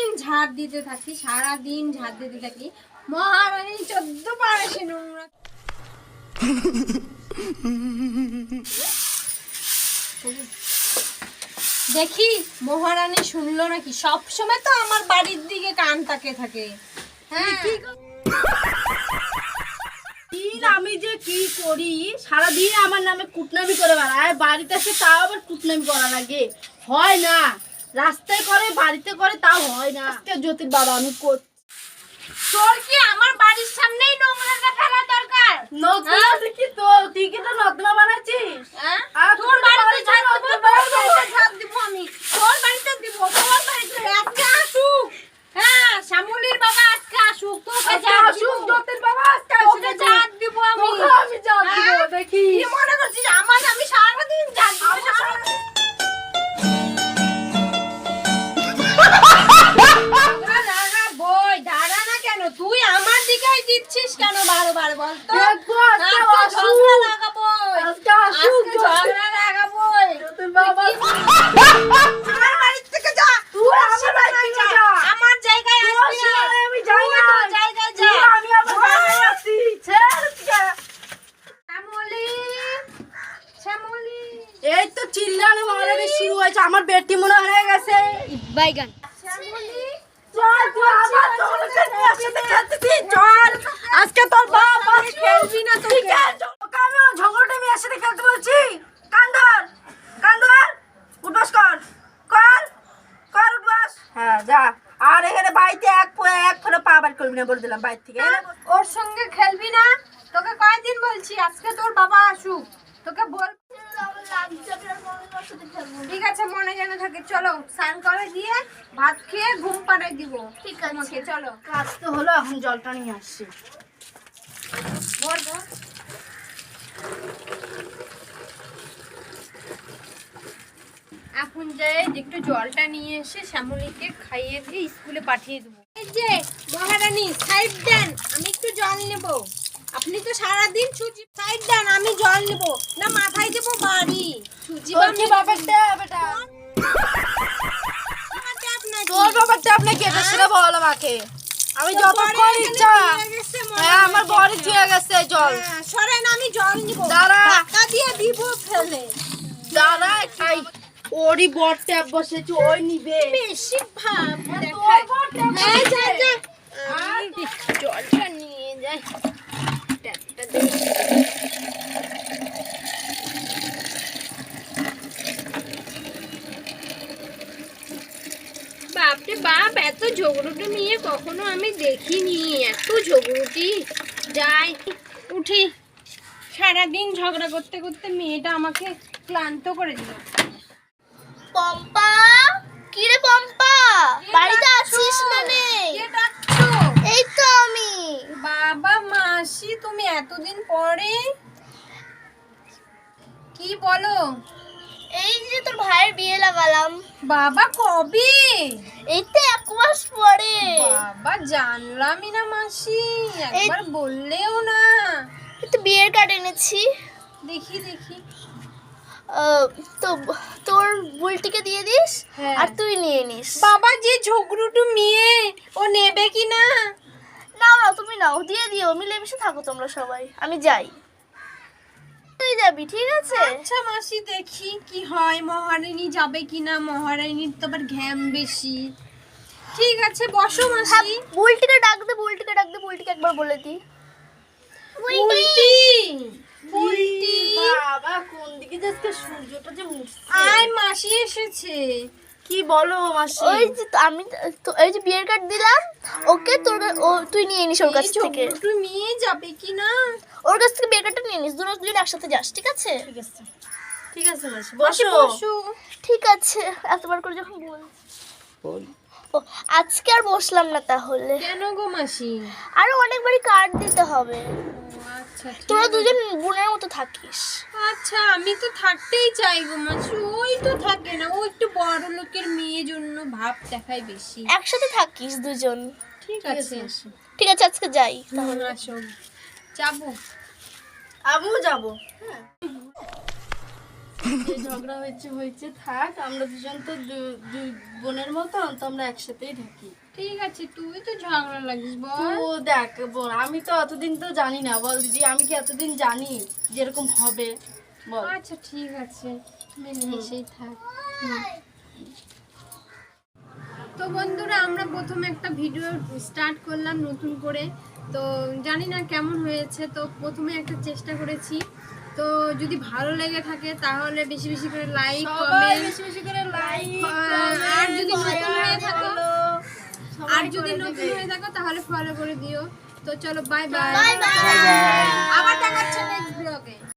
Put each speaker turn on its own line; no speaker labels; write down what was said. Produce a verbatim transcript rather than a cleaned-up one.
ঝাড় দিতে থাকি, সারাদিন ঝাড় দিতে থাকি। মহারানী চোদ্দ বার এসে নোংরা। দেখি মহারানী শুনলো নাকি। সব সময় তো আমার বাড়ির দিকে কান তাকে থাকে। হ্যাঁ
আমি যে কি করি, সারাদিন আমার নামে কুটনামি করে বেড়ায়, বাড়িতে এসে তাও আবার কুটনামি করা লাগে। হয় না, রাস্তায় করে বাড়িতে করে তাও হয় না। আজকে জ্যোতির বাবা আমি করছি।
তোর কি আমার বাড়ির সামনেই নোংরাটা ফেলা দরকার?
নতুন কি তো তুই কি তো নর্দমা বানাচ্ছিস?
হ্যাঁ
আর
তোর বাড়িতে ঝাড় দিব, তোর বাড়িতে ঝাড় দিব আমি। তোর বাড়িতে দিব, তোর বাড়িতে আজকে আসুক। হ্যাঁ শ্যামলীর বাবা আজকে আসুক, তোকে ঝাড় দিব।
আসুক জ্যোতির বাবা আজকে
তোকে ঝাড় দিব আমি।
তোকে আমি ঝাড় দিব,
হ্যাঁ?
দেখি
কি মনে করছিস আমার আমি সারাদিন ঝাড় দিব? সারাদিন বই দাঁড়া না কেন, তুই আমার দিকেই দিচ্ছিস কেন বারবার বল তো?
দেখবো আজকে
আজকে
আসুক।
ঝগড়া লাগাবো,
আজকে আসুক
আজকে ঝগড়া লাগাবো।
জ্যোতির বাবা।
আমার বাড়ি থেকে যা,
তুই আমার বাড়ি থেকে যা।
আমার জায়গায়
তোর
আসবি না।
সীমানায় আমি যাই
তুই
না।
তোর জায়গায় যা।
তুই আমি আমার জায়গায় আছি। ছেড়ে দিকে।
শ্যামলী, শ্যামলী।
এই তো চিল্লানো মারামারি শুরু হয়েছে, আমার বেটি মনে হয়ে গেছে।
বাইগান। শ্যামলী,
চল তুই আবার তোকে নিয়ে একসাথে খেলতেছিস, চল। আজকে তোর বাপ
আমি খেলবি না তোকে।
ঠিক আছে, তোকে আমি ওই ঝগড়াটা আমি একসাথে খেলতে বলছি। কান্দর কান্দর উঠবাস কর কর কর উঠবাস। হ্যাঁ যা। আর এখানে বাড়িতে এক পো- এক ফোঁটা পা বার করবি না বলে দিলাম বাইরে থেকে।
ওর সঙ্গে খেলবি না। তোকে কয়দিন বলছি আজকে তোর বাবা আসুক, তোকে বল। ঠিক আছে মনে যেন থাকে। চলো স্নান করে দিয়ে ভাত খেয়ে ঘুম পাড়াই দিব। ঠিক আছে চলো।
কাজ তো হলো, এখন জলটা নিয়ে আসছি।
ভর ভর। এখন যাই একটু জলটা নিয়ে এসে শ্যামলীকে খাইয়ে দিয়ে স্কুলে পাঠিয়ে দেবো। এই যে মহারানী সাইড দেন, আমি একটু জল নেব। আপনি তো সারাদিন সুজি সাইড দেন, আমি জল নেব না মাথায় দেবো বাড়ি। সুজি
তোর কি বাবারটা বেটা? তোর বাবারটা আপনাকে এটা সেটা বল আমাকে। আমি যতক্ষণ ইচ্ছা। হ্যাঁ আমার বড়ি চুয়ে গেছে জল।
সরেন আমি জল নিব।
দাঁড়া।
ধাক্কা দিয়ে দিব ফেলে।
দাঁড়া খাই। ওরই বড় ট্যাপ বসেছে, ওই নিবে।
বেশি ভাব
তোর
দেখায়।
বড় ট্যাপ
হ্যাঁ যা যা।
আর
জলটা নিয়ে যাই। ট্যাপটা দে। বাপরে বাপ, এত ঝগড়ুটি মেয়ে কখনো আমি দেখিনি। এত ঝগড়ুটি। যাই উঠি। সারাদিন ঝগড়া করতে করতে মেয়েটা আমাকে ক্লান্ত করে দিল।
পম্পা, কি রে পম্পা, বাড়িতে আছিস মানে?
কে ডাকছো?
এই তো আমি।
বাবা মাসি তুমি এতদিন পরে কি বলো?
এই যে তোর ভাইয়ের বিয়ে লাগালাম।
বাবা কবে?
এই তো এক মাস পরে।
বাবা জানলামই না মাসি, একবার বললেও না।
এই তো বিয়ের কার্ড এনেছি।
দেখি দেখি।
আহ, তো তোর বুলটিকে দিয়ে দিস।
হ্যাঁ।
আর তুই নিয়ে নিস।
বাবা যে ঝগড়ুটু মেয়ে, ও নেবে কি না?
নাও নাও, তুমি নাও, দিয়ে দিও, মিলেমিশে থাকো তোমরা সবাই। আমি যাই, তুই যাবি ঠিক আছে?
আচ্ছা মাসি দেখি কি হয়। মহারানী যাবে কিনা, মহারানীর তো আবার ঘ্যাম বেশি। ঠিক আছে বসো মাসি।
বুলটিকে ডাক দে, বুলটিকে ডাক দে, বুলটিকে একবার বলে দি।
বুলটি, বুলটি।
বাবা কোন দিকে যাচ্ছে, সূর্যটা যে উঠছে।
আয় মাসি এসেছে।
কি বলো মাসি?
ওই যে তো আমি তো এই যে বিয়ের কার্ড দিলাম ওকে, তোর ও তুই নিয়ে নিস ওর কাছ থেকে।
ঝগড়ুটু মেয়ে যাবে কিনা?
ওর কাছ থেকে বিয়ের কার্ডটা নিয়ে নিস, দুজন দুজন একসাথে যাস ঠিক আছে?
ঠিক আছে ঠিক আছে মাসি,
মাসি
বসো।
বসো।
ঠিক আছে, এতবার করে যখন বল। ও আজকে আর বসলাম না তাহলে,
কেন গো মাসি?
আরো অনেকবারই কার্ড দিতে হবে।
আচ্ছা ঠিক
তোরা
আছে।
দুজন বোনের মতো থাকিস।
আচ্ছা আমি তো থাকতেই চাই গো মাসি, ওই তো থাকে না। ও একটু বড় লোকের মেয়ে জন্য ভাব দেখায় বেশি।
একসাথে থাকিস দুজন।
ঠিক আছে
ঠিক আছে আজকে যাই।
তাহলে আসো, যাবো।
আমিও যাবো। হ্যাঁ ঝগড়া হয়েছে হয়েছে থাক, আমরা দুজন তো দু- দুই বোনের মতো, তো আমরা একসাথেই থাকি।
ঠিক আছে, তুই তো ঝগড়া লাগিস
তো
বল।
দেখ বোন, আমি তো এতদিন তো জানি না, বল দিদি, আমি কি এতদিন জানি যেরকম হবে? বল।
আচ্ছা ঠিক আছে, মিলেমিশেই থাক। হুম। তো বন্ধুরা, আমরা প্রথমে একটা ভিডিও স্টার্ট করলাম নতুন করে, তো জানি না কেমন হয়েছে। তো প্রথমে একটা চেষ্টা করেছি, তো যদি ভালো লেগে থাকে তাহলে বেশি বেশি করে লাইক,
সবাই
কমেন্ট,
বেশি বেশি করে লাইক,
আর যদি নতুন হয়ে থাকো আর
আর
যদি নতুন হয়ে থাকো তাহলে ফলো করে দিও। তো চলো, বাই বাই।
Bye bye.
আবার দেখাচ্ছে নেক্সট ব্লগে।